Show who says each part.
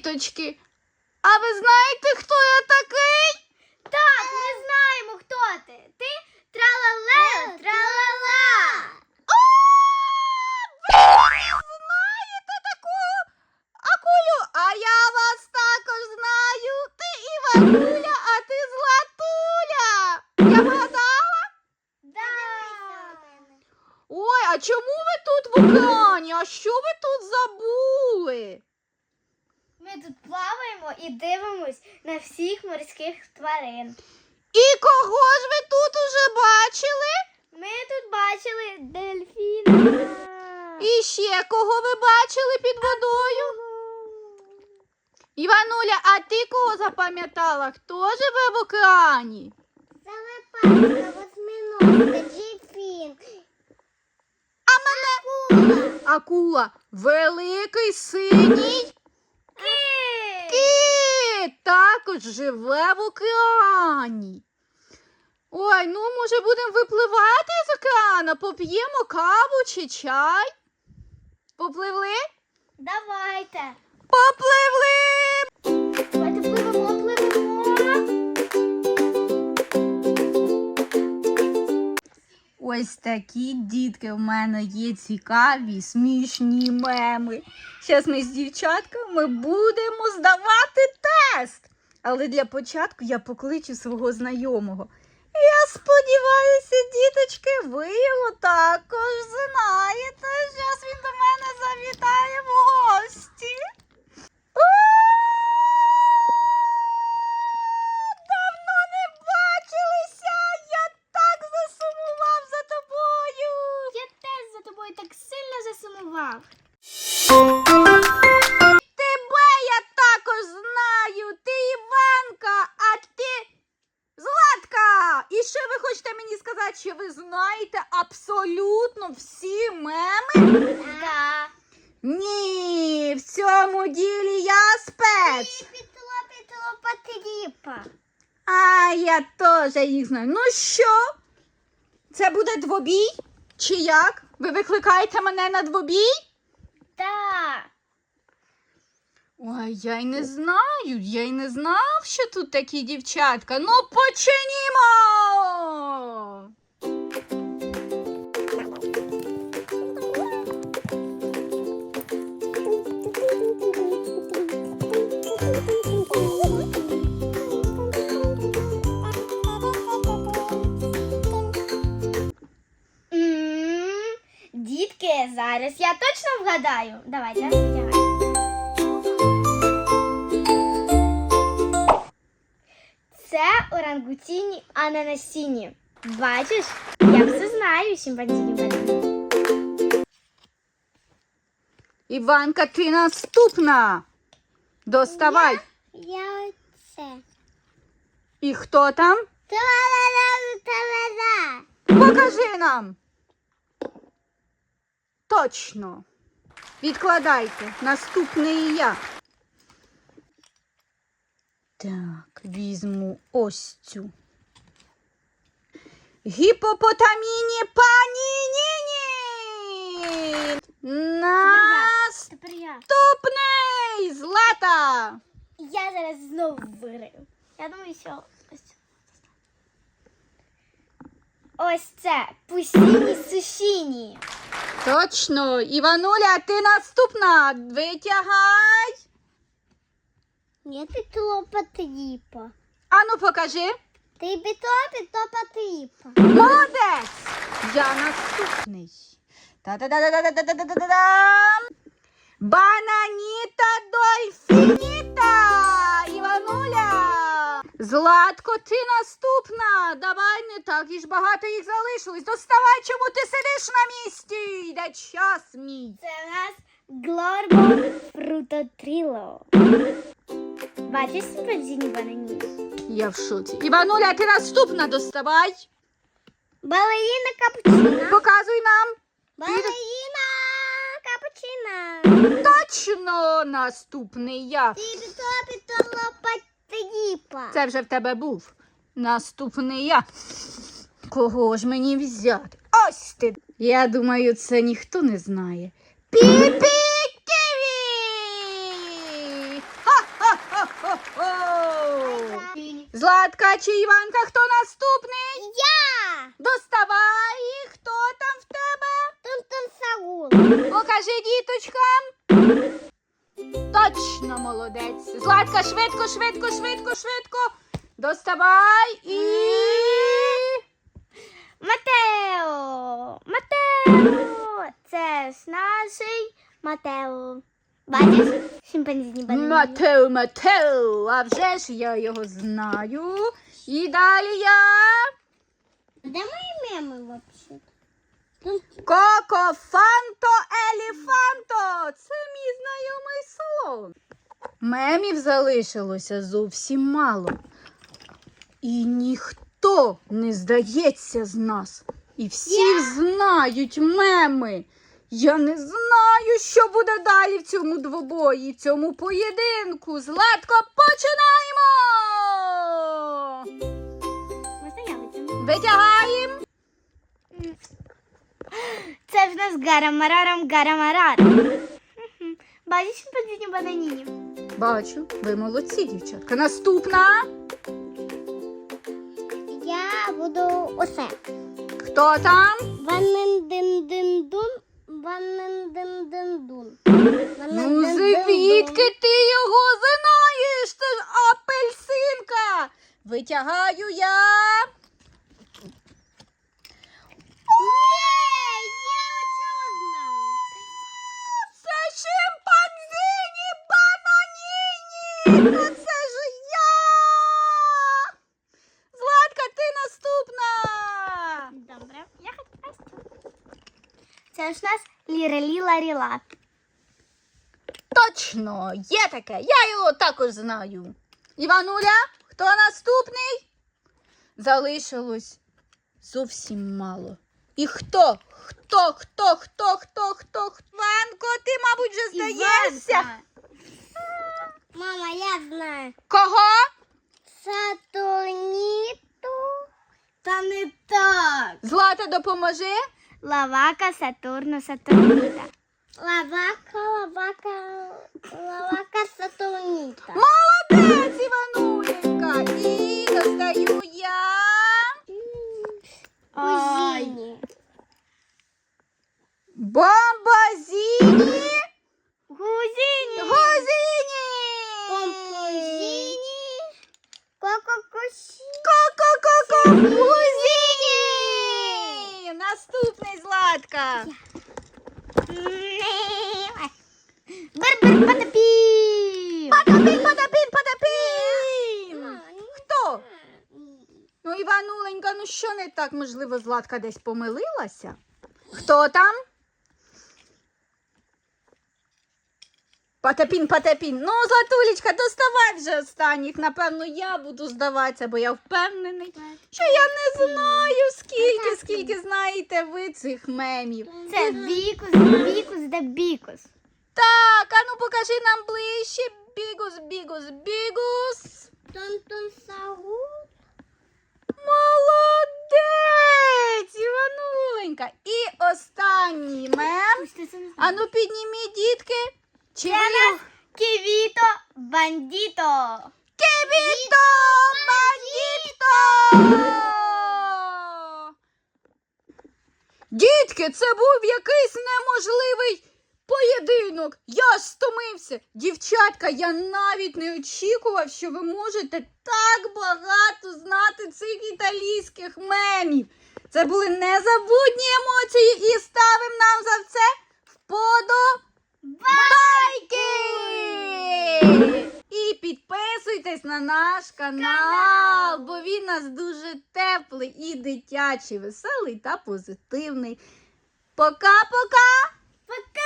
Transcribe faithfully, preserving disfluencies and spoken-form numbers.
Speaker 1: діточки, а ви знаєте, хто я такий?
Speaker 2: Так, ми знаємо, хто ти. Ти тралалео, тралала.
Speaker 1: О, ви не знаєте таку акулю, а я вас також знаю. Ти Івануля, а ти Златуля. Я вгадала?
Speaker 2: Да.
Speaker 1: Ой, а чому ви тут в океані? А що ви тут забули?
Speaker 2: Ми тут плаваємо і дивимось на всіх морських тварин.
Speaker 1: І кого ж ви тут уже бачили?
Speaker 2: Ми тут бачили дельфіна.
Speaker 1: І ще кого ви бачили під водою? Івануля, а ти кого запам'ятала? Хто живе в океані?
Speaker 2: Залипайка, восьминожка, дельфін.
Speaker 1: А мене акула. Великий синій кит також живе в океані. Ой, ну може будемо випливати з океану, поп'ємо каву чи чай? Попливли?
Speaker 2: Давайте.
Speaker 1: Попливли!
Speaker 2: Давайте пливемо, пливемо.
Speaker 1: Ось такі, дітки, в мене є цікаві, смішні меми. Зараз ми з дівчатками будемо здавати тест. Але для початку я покличу свого знайомого. Я сподіваюся, діточки, ви його також знаєте. Зараз він до мене завітає в гості. О, давно не бачилися! Я так засумував за тобою!
Speaker 2: Я теж за тобою так сильно засумував.
Speaker 1: Тебе я також знаю! Ти Іванка, а ти Златка! І що ви хочете мені сказати, що ви знаєте абсолютно всі меми?
Speaker 2: Да.
Speaker 1: Ні, в цьому ділі я спец.
Speaker 2: Пітло, пітло, потріпа.
Speaker 1: А я теж їх знаю. Ну що? Це буде двобій? Чи як? Ви викликаєте мене на двобій?
Speaker 2: Да.
Speaker 1: Ой, я й не знаю, я й не знав, що тут такі дівчатка. Ну, починімо!
Speaker 2: М, Дітки, зараз я точно вгадаю. Давайте, витягай. Це орангутіні ананасіні. Бачиш, я все знаю, шимпанзіні баліні.
Speaker 1: Іванка, ти наступна. Доставай.
Speaker 2: Я це.
Speaker 1: І хто там?
Speaker 2: Та-ла-ла-ла-ла-ла.
Speaker 1: Покажи нам. Точно. Відкладайте. Наступний я. Так, візьму ось цю. Гіпопотаміні панініні.
Speaker 2: Тепер я.
Speaker 1: Наступний Злата.
Speaker 2: Я зараз знову виграю. Я думаю, що ось. Ось це пусіні сушіні.
Speaker 1: Точно. Івануля, ти наступна. Витягай.
Speaker 2: Ні, пітло потріпа.
Speaker 1: Ану, покажи.
Speaker 2: Ти пітло, пітло потріпа.
Speaker 1: Молодець! Я наступний. Та-да-да-да-да-да-да-да-да-дам! Бананіта дольфініта! Івануля! Златко, ти наступна! Давай, не так і ж багато їх залишилось. Доставай, чому ти сидиш на місці? Йде час мій.
Speaker 2: Це у нас Глорбо фрутотріло. Бачиш симпанзіні банані?
Speaker 1: Я в шоці. Івануля, ти наступна, доставай.
Speaker 2: Балеріна капучина.
Speaker 1: Показуй нам.
Speaker 2: Балеріна капучина.
Speaker 1: Точно наступний я.
Speaker 2: Ти пітло, пітло потріпа.
Speaker 1: Це вже в тебе був. Наступний я. Кого ж мені взяти? Ось ти. Я думаю, це ніхто не знає. Піпі-ківі! Ха! Златка чи Іванка, хто наступний?
Speaker 2: Я!
Speaker 1: Доставай, хто там в тебе?
Speaker 2: Тун-тун Саул.
Speaker 1: Покажи діточкам. Точно молодець. Златка, швидко, швидко, швидко, швидко. Доставай і...
Speaker 2: Матео! Матео! Це ж наш Матео. Бачиш? Шимпанзіні банані.
Speaker 1: Матео, Матео, а вже ж я його знаю. І далі я...
Speaker 2: Де мої меми вообще?
Speaker 1: Коко, Фанто, Еліфанто. Це мій знайомий слон. Мемів залишилося зовсім мало. І ніхто не здається з нас. І всі знають меми. Я не знаю, що буде далі в цьому двобої, в цьому поєдинку. Златко, починаємо! Витягаємо.
Speaker 2: Це в нас гарамарарам гарамарар. Бачиш шимпанзіні бананіні?
Speaker 1: Бачу, ви молодці, дівчатка. Наступна.
Speaker 2: Я буду оце.
Speaker 1: Хто там?
Speaker 2: Ваннен-дин-дин-дун. Ваннен-дин-дин-дун.
Speaker 1: Ну, звідки ти його знаєш? Це ж апельсинка. Витягаю я. Це шимпанзині бананіні. Ну це ж я. Златка, ти наступна.
Speaker 2: Добре, я хочу. Це ж у нас лірелі-ларіла.
Speaker 1: Точно, є таке. Я його також знаю. Івануля, хто наступний? Залишилось зовсім мало. І хто? Хто, хто, хто, хто, хто, хто? Іванко, ти, мабуть, вже здаєшся.
Speaker 2: Мама, я знаю.
Speaker 1: Кого?
Speaker 2: Сатурніту. Та не так.
Speaker 1: Злата, допоможи.
Speaker 2: Лавака, Сатурну, Сатурніта. Лавака, лавака, лавака, Сатурніта.
Speaker 1: Молодець, Івануленька. І достаю я.
Speaker 2: Кузіні.
Speaker 1: Бомбазіні.
Speaker 2: Гузіні.
Speaker 1: Гузіні.
Speaker 2: Помпузіні. Кококусі.
Speaker 1: Ко-ко-ко-ко. Гузіні. Наступний, Златка.
Speaker 2: Бер-бер потопів.
Speaker 1: Потапін, потапін, потапін. Хто? Ну, Івануленька, ну що не так? Можливо, Златка десь помилилася? Хто там? Потапін, Потапін. Ну, Златулечка, доставай вже останніх. Напевно, я буду здаватися, бо я впевнений, що я не знаю, скільки, скільки знаєте ви цих мемів.
Speaker 2: Це бікус, бікус да бікус.
Speaker 1: Так, а ну покажи нам ближче. Бігус, бігус, бігус.
Speaker 2: Тон-тон сагу.
Speaker 1: Молодець, Івануленька. І останній мем. А ну підніміть, дітки. Чи
Speaker 2: Це
Speaker 1: ви
Speaker 2: нас
Speaker 1: його-
Speaker 2: Ківіто бандіто.
Speaker 1: Кевіто бандіто! Дітки, це був якийсь неможливий поєдинок. Я ж стомився. Дівчатка, я навіть не очікував, що ви можете так багато знати цих італійських мемів. Це були незабутні емоції і ставимо нам за це вподобайки! І підписуйтесь на наш канал, бо він у нас дуже теплий і дитячий, веселий та позитивний. Пока-пока!
Speaker 2: Пока!